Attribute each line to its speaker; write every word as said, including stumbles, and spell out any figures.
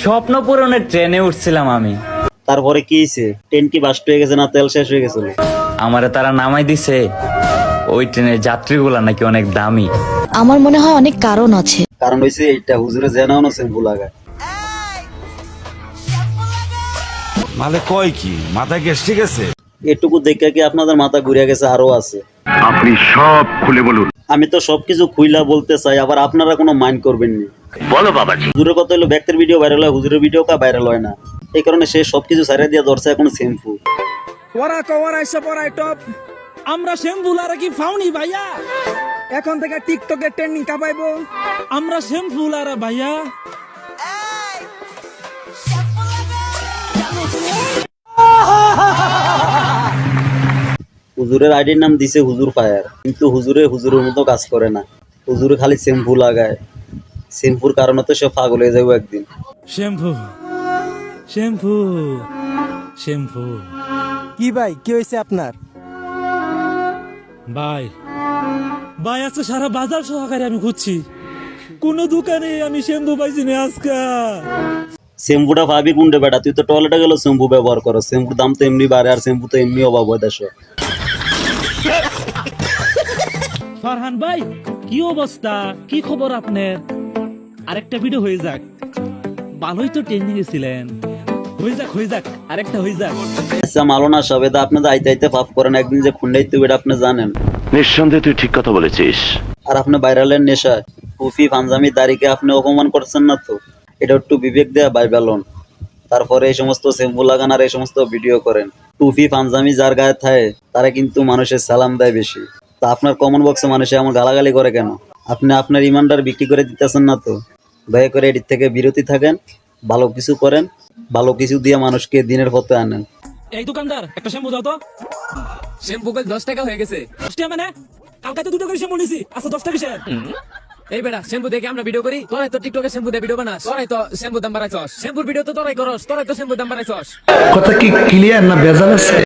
Speaker 1: স্বপ্ন পূরণের ট্রেনে উঠছিলাম আমি।
Speaker 2: তারপরে কি হয়েছে? ট্রেন কি বাস্ট হয়ে গেছে না তেল শেষ হয়ে গেছিল?
Speaker 1: আমারে তারা নামাই দিছে। ওই ট্রেনের যাত্রীগুলা নাকি অনেক দামি।
Speaker 3: আমার মনে হয় অনেক কারণ আছে।
Speaker 2: কারণ হয়েছে এইটা, হুজুরে জেনাও না শ্যাম্পু লাগায়।
Speaker 4: মানে কয় কি মাথা গ্যাস ঠিক আছে?
Speaker 2: এটুকু দেখে কি আপনাদের মাথা ঘুরিয়ে গেছে? আরো আছে।
Speaker 5: আপনি সব খুলে বলুন।
Speaker 2: আমি তো সবকিছু খুইলা বলতে চাই, আবার আপনারা কোনো মাইন্ড করবেন না।
Speaker 5: বলো বাবাজি।
Speaker 2: হুজুরের কথা হলো ব্যক্তির ভিডিও ভাইরাল হয়, হুজুরের ভিডিও কা ভাইরাল হয় না। এই কারণে সে সবকিছু ছাড়িয়ে দিয়ে ধরছে এখন শ্যাম্পু।
Speaker 6: ওরা কওয়ার আইসা পড়াই টপ আমরা শ্যাম্পুলারা কি ফাউনি ভাইয়া এখন থেকে টিকটকে ট্রেন্ডিং কাপাইবো আমরা শ্যাম্পুলারা ভাইয়া
Speaker 2: হুজুরের আইডির নাম দিছে হুজুর ফায়ার, কিন্তু হুজুরে হুজুরের মতো কাজ করে না। হুজুরে খালি শ্যাম্পু লাগায়। শ্যাম্পুর কারণে তো সে পাগল হয়ে যাবো একদিন।
Speaker 6: শ্যাম্পু শ্যাম্পু শ্যাম্পু
Speaker 7: কি ভাই কি হয়েছে আপনার?
Speaker 6: ভাই ভাই আজকে সারা বাজার সহকারে আমি খুঁজছি, কোন দোকানে আমি শ্যাম্পু পাইছি না আজকে।
Speaker 2: শ্যাম্পুটা ভাবি কোনটা বেটা? তুই তো টয়লেটে গেল শ্যাম্পু ব্যবহার করো। শ্যাম্পুর দাম তো এমনি বাড়ে, আর শ্যাম্পু তো এমনি অভাব হয় দেশে।
Speaker 6: ফারহান ভাই কি অবস্থা, কি খবর আপনার? আরেকটা ভিডিও হয়ে যাক, ভালোই তো ট্রেনিং এ ছিলেন, হয়ে যাক হয়ে যাক আরেকটা হয়ে যাক।
Speaker 2: আচ্ছা মালো না সব, এটা আপনি তো আইতে আইতে পাপ করেন, একদিন যে খুন্ডাইতে এটা আপনি জানেন।
Speaker 5: নিঃসন্দেহে তুই ঠিক কথা বলেছিস।
Speaker 2: আর আপনি ভাইরালের নেশায় টুপি পাঞ্জামি দাড়িকে আপনি অপমান করছেন না তো? এটা একটু বিবেক দেয়া বাইবেলন। তারপরে এই সমস্ত শ্যাম্পু লাগান আর এই সমস্ত ভিডিও করেন। টুপি পাঞ্জামি যার গায়ে থাকে তারা কিন্তু মানুষের সালাম দেয় বেশি। তা আপনার কমন বক্সে মানুষে এমন গালাগালি করে কেন? আপনি আপনার ইমানদার বিক্রি করে দিতেছেন না তো? দয়া করে এটির থেকে বিরতি থাকেন, ভালো কিছু করেন, ভালো কিছু দিয়ে মানুষকে দিনের পথে আনেন।
Speaker 6: এই দোকানদার একটা শ্যাম্পু দাও তো।
Speaker 8: শ্যাম্পু কল দশ টাকা হয়ে গেছে।
Speaker 6: দশ টাকা মানে? কালকে তো দুটো করে শ্যাম্পু নিছি, আচ্ছা দশ টাকা কিসের?
Speaker 8: এই বেটা শ্যাম্পু দেখে আমরা ভিডিও করি, তোরাই তো টিকটকে শ্যাম্পু দিয়ে ভিডিও বানাস, তোরাই তো শ্যাম্পু দাম বাড়াইছস, শ্যাম্পুর ভিডিও তো তোরাই করস, তোরাই তো শ্যাম্পু দাম বাড়াইছস।
Speaker 9: কথা কি ক্লিয়ার না ভেজাল আছে?